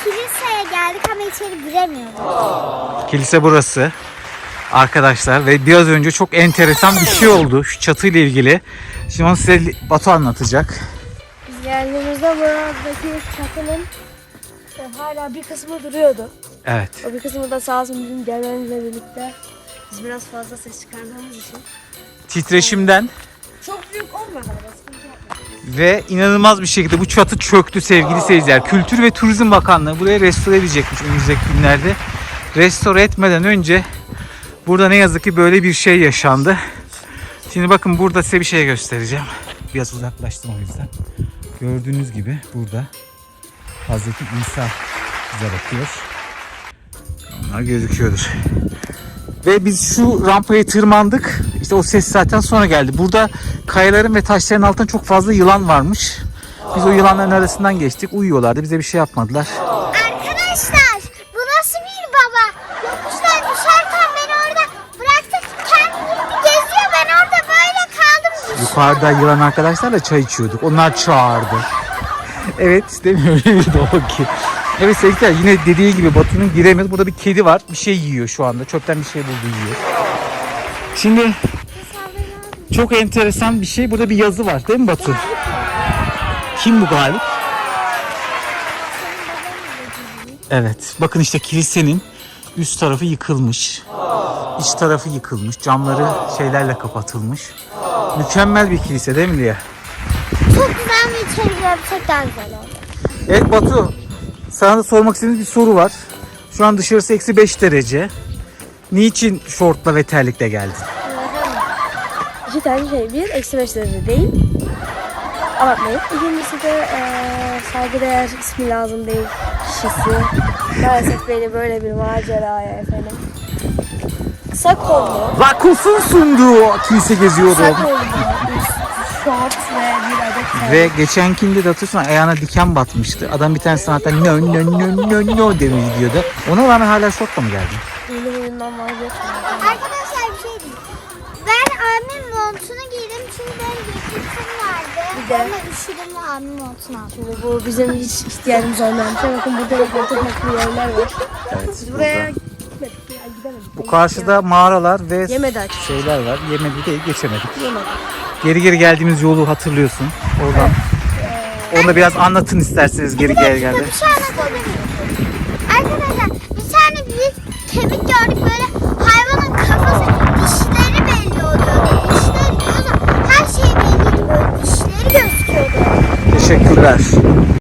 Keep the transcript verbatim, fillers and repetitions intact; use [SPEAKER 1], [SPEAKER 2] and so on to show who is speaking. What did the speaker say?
[SPEAKER 1] kiliseye geldik ama içeri giremiyoruz.
[SPEAKER 2] Kilise burası arkadaşlar ve biraz önce çok enteresan bir şey oldu şu çatıyla ilgili. Şimdi onu size Batu anlatacak.
[SPEAKER 3] Biz geldiğimizde buradaki çatının e, hala bir kısmı duruyordu.
[SPEAKER 2] Evet.
[SPEAKER 3] O bir kısmı da sağ olsun bizim gelmemizle birlikte biz biraz fazla ses çıkardığımız için.
[SPEAKER 2] Titreşimden
[SPEAKER 3] Çok büyük olmadı ama sıkıntı yapmadı.
[SPEAKER 2] ve inanılmaz bir şekilde bu çatı çöktü sevgili seyirciler. Kültür ve Turizm Bakanlığı burayı restore edecekmiş önümüzdeki günlerde. Restore etmeden önce burada ne yazık ki böyle bir şey yaşandı. Şimdi bakın burada size bir şey göstereceğim. Biraz uzaklaştım o yüzden. Gördüğünüz gibi burada Hazreti İsa bize bakıyor. Onlar gözüküyordur. Ve biz şu rampaya tırmandık. İşte o ses zaten sonra geldi. Burada kayaların ve taşların altında çok fazla yılan varmış. Biz o yılanların arasından geçtik. Uyuyorlardı. Bize bir şey yapmadılar.
[SPEAKER 1] Arkadaşlar bu nasıl bir baba? Yokuştan düşerken beni orada bıraktı. Kendi geziyor. Ben orada böyle kaldım.
[SPEAKER 2] Yukarıda yılan arkadaşlarla çay içiyorduk. Onlar çağırdı. Evet, değil mi? Öyleydi o ki. Evet sevgiler, yine dediği gibi Batu'nun giremez. Burada bir kedi var. Bir şey yiyor şu anda. Çöpten bir şey buldu, yiyor. Şimdi çok enteresan bir şey. Burada bir yazı var. Değil mi Batu? Kim bu Galip? Evet. Bakın işte kilisenin üst tarafı yıkılmış. İç tarafı yıkılmış. Camları şeylerle kapatılmış. Mükemmel bir kilise değil mi Lia?
[SPEAKER 1] Çok güzel bir içeri yapsak daha güzel oldu.
[SPEAKER 2] Evet Batu, sana da sormak istediğimiz bir soru var. Şu an dışarısı eksi beş derece. Niçin şortla ve terlikle geldin?
[SPEAKER 3] İki tane şey. Bir, eksi beş derece değil. Abartmayın. İkincisi de eee saygıdeğer ismi lazım değil kişisi. Maalesef beni böyle bir maceraya efendim. Kısa kollu.
[SPEAKER 2] Vakıfın sunduğu kilise geziyordum.
[SPEAKER 3] Kısa kollu. Şort ve bir adet terlik.
[SPEAKER 2] Ve geçenkinde de hatırlıyorsun ayağına diken batmıştı. Adam bir tane zaten nö nö nö nö nö demiş diyordu. Ona rağmen hala şortla mı geldin?
[SPEAKER 3] Yeni huyundan vazgeçmiyorum.
[SPEAKER 1] Arkadaşlar bir şey diyeyim. Ben abimin montunu giydim çünkü benim ceketim vardı.
[SPEAKER 3] Bir de-
[SPEAKER 1] Ama üşüdüm ve abimin montunu aldım.
[SPEAKER 3] Şimdi bu bizim hiç ihtiyacımız olmayan bir şey. Bakın burada da foto farklı yerler var.
[SPEAKER 2] Evet.
[SPEAKER 3] Biz buraya gitmedik ya gidemedik.
[SPEAKER 2] Bu karşıda mağaralar ve
[SPEAKER 3] Yemedi açık.
[SPEAKER 2] şeyler var. Yemedi değil, geçemedik.
[SPEAKER 3] Yemedik.
[SPEAKER 2] Geri geri geldiğimiz yolu hatırlıyorsun. Oradan. Onu da biraz anlatın isterseniz geri geri geldi.
[SPEAKER 1] Bir şey anlatabilir miyim? Arkadaşlar bir tane büyük kemik gördük böyle hayvanın kafası dişleri belli oluyordu. Dişleri diyordu. Her şey belliydi böyle dişleri gözüküyordu.
[SPEAKER 2] Teşekkürler.